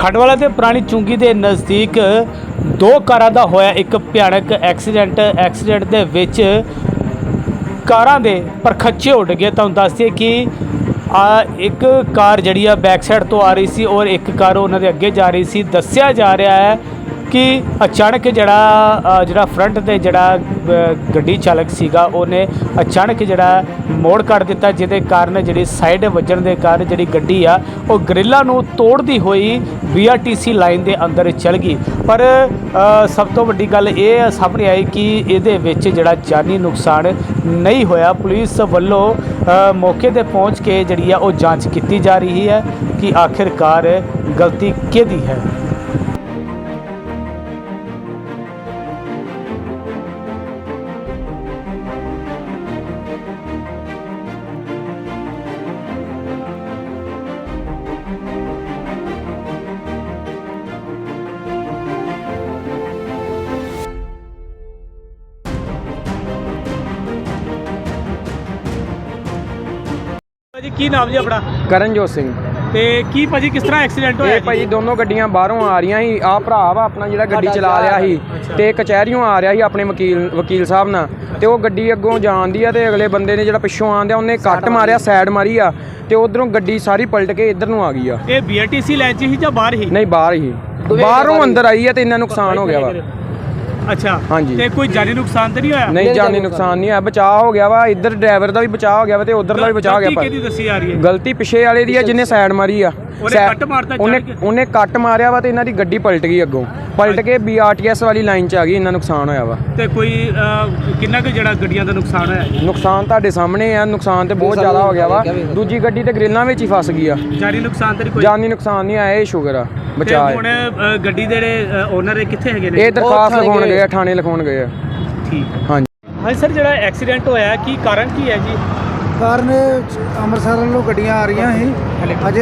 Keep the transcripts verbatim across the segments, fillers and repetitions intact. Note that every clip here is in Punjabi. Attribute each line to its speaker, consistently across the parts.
Speaker 1: खंडवाला ते पुरानी चुंगी के नज़दीक दो कारां दा होया एक भयानक एक्सीडेंट एक्सीडेंट दे विच कारां दे परखच्चे उड़ गए। तुहानूं दस दिए कि आ एक कार जिहड़ी आ बैक साइड तो आ रही सी और एक कार उन्हां दे अगे जा रही सी। दस्सिया जा रहा है कि अचानक जिहड़ा जिहड़ा फ्रंट ते जिहड़ा गड्डी चालक सीगा उहने अचानक जिहड़ा मोड़ कट दिता, जिहदे कारण जिहड़ी साइड वजन दे कारण जिहड़ी गड्डी आ वो ग्रिलां नूं तोड़दी होई B R T C line दे अंदर चल गई। पर सब तो वड्डी गल ये सामने आई कि इहदे विच जिहड़ा जानी नुकसान नहीं होया। पुलिस वल्लों मौके ते पहुँच के जिहड़ी आ वो जांच की जा रही है कि आखिरकार गलती किहदी है। जी की नाम जी अपना?
Speaker 2: ਕਰਨਜੋਤ ਸਿੰਘ।
Speaker 1: ਤੇ ਕੀ ਭਾਜੀ ਕਿਸ ਤਰ੍ਹਾਂ ਐਕਸੀਡੈਂਟ ਹੋਇਆ
Speaker 2: ਇਹ ਭਾਜੀ ਦੋਨੋਂ ਗੱਡੀਆਂ ਬਾਹਰੋਂ ਆ ਰਹੀਆਂ ਸੀ। ਆਹ ਭਰਾ ਵਾ ਆਪਣਾ ਜਿਹੜਾ ਗੱਡੀ ਚਲਾ ਰਿਹਾ ਸੀ ਤੇ ਕਚਹਿਰੀਓਂ ਆ ਰਿਹਾ ਸੀ ਆਪਣੇ ਵਕੀਲ ਵਕੀਲ ਸਾਹਿਬ ਨਾਲ, ਤੇ ਉਹ ਗੱਡੀ ਅੱਗੋਂ ਜਾਂਦੀ ਆ ਤੇ ਅਗਲੇ ਬੰਦੇ ਨੇ ਜਿਹੜਾ ਪਿੱਛੋਂ ਆਂਦਿਆ ਉਹਨੇ ਕੱਟ ਮਾਰਿਆ, ਸਾਈਡ ਮਾਰੀ ਆ ਤੇ ਉਧਰੋਂ ਗੱਡੀ ਸਾਰੀ ਪਲਟ ਕੇ ਇੱਧਰ ਨੂੰ ਆ ਗਈ ਆ।
Speaker 1: ਇਹ B R T C line 'ਚ ਹੀ ਜਾਂ ਬਾਹਰ ਹੀ?
Speaker 2: ਨਹੀਂ ਬਾਹਰ ਹੀ, ਬਾਹਰੋਂ ਅੰਦਰ ਆਈ ਆ ਤੇ ਇੰਨਾ ਨੁਕਸਾਨ ਹੋ ਗਿਆ ਵਾ।
Speaker 1: अच्छा
Speaker 2: ਹਾਂਜੀ
Speaker 1: ਤੇ ਕੋਈ ਜਾਨੀ ਨੁਕਸਾਨ ਤੇ ਨਹੀਂ ਹੋਇਆ?
Speaker 2: ਨਹੀਂ ਜਾਨੀ ਨੁਕਸਾਨ ਨਹੀਂ ਆ, ਬਚਾਅ ਹੋ ਗਿਆ ਵਾ। ਇੱਧਰ ਡਰਾਈਵਰ ਦਾ ਵੀ ਬਚਾਅ ਹੋ ਗਿਆ ਵਾ ਤੇ ਉਧਰ ਦਾ ਵੀ ਬਚਾਅ ਹੋ ਗਿਆ।
Speaker 1: ਕਿਹਦੀ ਦੱਸੀ ਜਾ ਰਹੀ ਹੈ
Speaker 2: ਗਲਤੀ ਪਿੱਛੇ ਵਾਲੇ ਦੀ ਆ ਜਿਹਨੇ ਸਾਈਡ ਮਾਰੀ ਆ।
Speaker 1: ਉਹਨੇ ਕੱਟ ਮਾਰਤਾ,
Speaker 2: ਉਹਨੇ ਉਹਨੇ ਕੱਟ ਮਾਰਿਆ ਵਾ ਤੇ ਇਹਨਾਂ ਦੀ ਗੱਡੀ ਪਲਟ ਗਈ ਅੱਗੋਂ, ਪਲਟ ਕੇ ਬੀ ਆਰ ਟੀ ਐਸ ਵਾਲੀ ਲਾਈਨ 'ਚ ਆ ਗਈ। ਇੰਨਾ ਨੁਕਸਾਨ ਹੋਇਆ ਵਾ।
Speaker 1: ਤੇ ਕੋਈ ਕਿੰਨਾ ਕੁ ਜਿਹੜਾ ਗੱਡੀਆਂ ਦਾ ਨੁਕਸਾਨ ਹੋਇਆ?
Speaker 2: ਨੁਕਸਾਨ ਤੁਹਾਡੇ ਸਾਹਮਣੇ ਆ, ਨੁਕਸਾਨ ਤੇ ਬਹੁਤ ਜ਼ਿਆਦਾ ਹੋ ਗਿਆ ਵਾ। ਦੂਜੀ ਗੱਡੀ ਤੇ ਗ੍ਰਿਲਾਂ ਵਿੱਚ ਹੀ ਫਸ ਗਈ ਆ।
Speaker 1: ਜਾਨੀ ਨੁਕਸਾਨ ਤੇ ਕੋਈ
Speaker 2: ਜਾਨੀ ਨੁਕਸਾਨ ਨਹੀਂ ਆਇਆ, ਇਹ ਸ਼ੁਕਰ ਆ ਬਚਾਅ।
Speaker 1: ਹੁਣ ਗੱਡੀ ਦੇ ਜਿਹੜੇ ਓਨਰ ਕਿੱਥੇ ਹੈਗੇ ਨੇ?
Speaker 2: ਇਹ ਦਰਖਾਸਤ ਲਿਖਾਉਣ ਗਏ ਆ, ਥਾਣੇ ਲਿਖਾਉਣ ਗਏ ਆ।
Speaker 1: ਠੀਕ
Speaker 2: ਹਾਂਜੀ
Speaker 1: ਹਾਂਜੀ ਸਰ, ਜਿਹੜਾ ਐਕਸੀਡੈਂਟ ਹੋਇਆ ਕੀ ਕਾਰਨ ਕੀ ਹੈ ਜੀ?
Speaker 3: ਕਾਰਨ ਅੰਮ੍ਰਿਤਸਰ ਵੱਲੋਂ ਗੱਡੀਆਂ ਆ ਰਹੀਆਂ ਸੀ ਅਜੇ,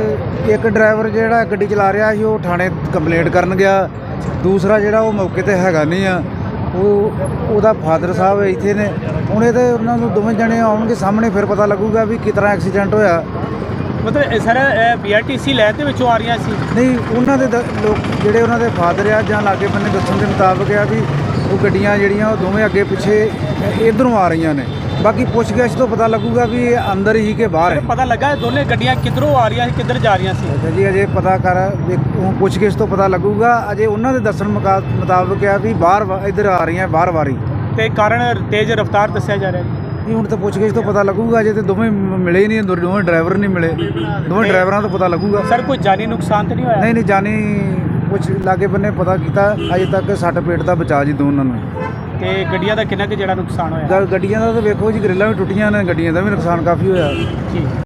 Speaker 3: ਤੇ ਇੱਕ ਡਰਾਈਵਰ ਜਿਹੜਾ ਗੱਡੀ ਚਲਾ ਰਿਹਾ ਸੀ ਉਹ ਥਾਣੇ ਕੰਪਲੇਂਟ ਕਰਨ ਗਿਆ। ਦੂਸਰਾ ਜਿਹੜਾ ਉਹ ਮੌਕੇ ਤੇ ਹੈਗਾ ਨਹੀਂ ਆ, ਉਹ ਉਹਦਾ ਫਾਦਰ ਸਾਹਿਬ ਇੱਥੇ ਨੇ। ਹੁਣ ਇਹ ਤੇ ਉਹਨਾਂ ਨੂੰ ਦੋਵੇਂ ਜਣੇ ਆਉਣਗੇ ਸਾਹਮਣੇ, ਫਿਰ ਪਤਾ ਲੱਗੂਗਾ ਵੀ ਕਿਸ ਤਰ੍ਹਾਂ ਐਕਸੀਡੈਂਟ ਹੋਇਆ।
Speaker 1: ਮਤਲਬ sir B R T C line ਦੇ ਵਿੱਚੋਂ ਆ ਰਹੀਆਂ ਸੀ?
Speaker 3: ਨਹੀਂ, ਉਹਨਾਂ ਦੇ ਦ- ਲੋਕ ਜਿਹੜੇ ਉਹਨਾਂ ਦੇ ਫਾਦਰ ਆ ਜਾਂ ਲਾਗੇ ਬੰਨੇ ਦੱਸਣ ਦੇ ਮੁਤਾਬਕ ਆ ਵੀ ਉਹ ਗੱਡੀਆਂ ਜਿਹੜੀਆਂ ਉਹ ਦੋਵੇਂ ਅੱਗੇ ਪਿੱਛੇ ਇੱਧਰੋਂ ਆ ਰਹੀਆਂ ਨੇ। ਬਾਕੀ ਪੁੱਛਗਿੱਛ ਤੋਂ ਪਤਾ ਲੱਗੂਗਾ ਵੀ ਇਹ ਅੰਦਰ ਹੀ ਕਿ ਬਾਹਰ ਹੈ।
Speaker 1: ਪਤਾ ਲੱਗਾ ਦੋਨੇ ਗੱਡੀਆਂ ਕਿੱਧਰੋਂ ਆ ਰਹੀਆਂ ਸੀ, ਕਿੱਧਰ ਜਾ ਰਹੀਆਂ ਸੀ?
Speaker 3: ਅੱਛਾ ਜੀ, ਅਜੇ ਪਤਾ ਕਰ ਉਹ ਪੁੱਛਗਿੱਛ ਤੋਂ ਪਤਾ ਲੱਗੂਗਾ। ਅਜੇ ਉਹਨਾਂ ਦੇ ਦੱਸਣ ਮੁਕਾ- ਮੁਤਾਬਕ ਆ ਵੀ ਬਾਹਰ ਵਾ- ਇੱਧਰ ਆ ਰਹੀਆਂ ਬਾਹਰ ਵਾਰੀ।
Speaker 1: ਤੇ ਕਾਰਨ ਤੇਜ਼ ਰਫ਼ਤਾਰ ਦੱਸਿਆ ਜਾ ਰਿਹਾ ਜੀ?
Speaker 3: ਨਹੀਂ, ਹੁਣ ਤਾਂ ਪੁੱਛਗਿੱਛ ਤੋਂ ਪਤਾ ਲੱਗੂਗਾ। ਅਜੇ ਤੇ ਦੋਵੇਂ ਮ- ਮਿਲੇ ਹੀ ਨਹੀਂ, ਦੋ- ਦੋਵੇਂ ਡਰਾਈਵਰ ਨਹੀਂ ਮਿਲੇ। ਦੋਵੇਂ ਡਰਾਈਵਰਾਂ ਤੋਂ ਪਤਾ ਲੱਗੂਗਾ।
Speaker 1: ਸਰ ਕੋਈ ਜਾਨੀ ਨੁਕਸਾਨ ਤਾਂ ਨਹੀਂ ਹੋਇਆ?
Speaker 3: ਨਹੀਂ ਨਹੀਂ, ਜਾਨੀ ਕੁਛ ਲਾਗੇ ਬੰਨੇ ਪਤਾ ਕੀਤਾ, ਅਜੇ ਤੱਕ ਸੱਟ ਪੇਟ ਦਾ ਬਚਾ ਜੀ ਦੋਨਾਂ ਨੂੰ।
Speaker 1: ਤੇ ਗੱਡੀਆਂ ਦਾ ਕਿੰਨਾ ਕੁ ਜਿਹੜਾ ਨੁਕਸਾਨ ਹੋਇਆ?
Speaker 3: ਗ- ਗੱਡੀਆਂ ਦਾ ਤਾਂ ਵੇਖੋ ਜੀ, ਗ੍ਰਿਲਾਂ ਵੀ ਟੁੱਟੀਆਂ ਨੇ, ਗੱਡੀਆਂ ਦਾ ਵੀ ਨੁਕਸਾਨ ਕਾਫੀ ਹੋਇਆ।
Speaker 1: ਠੀਕ।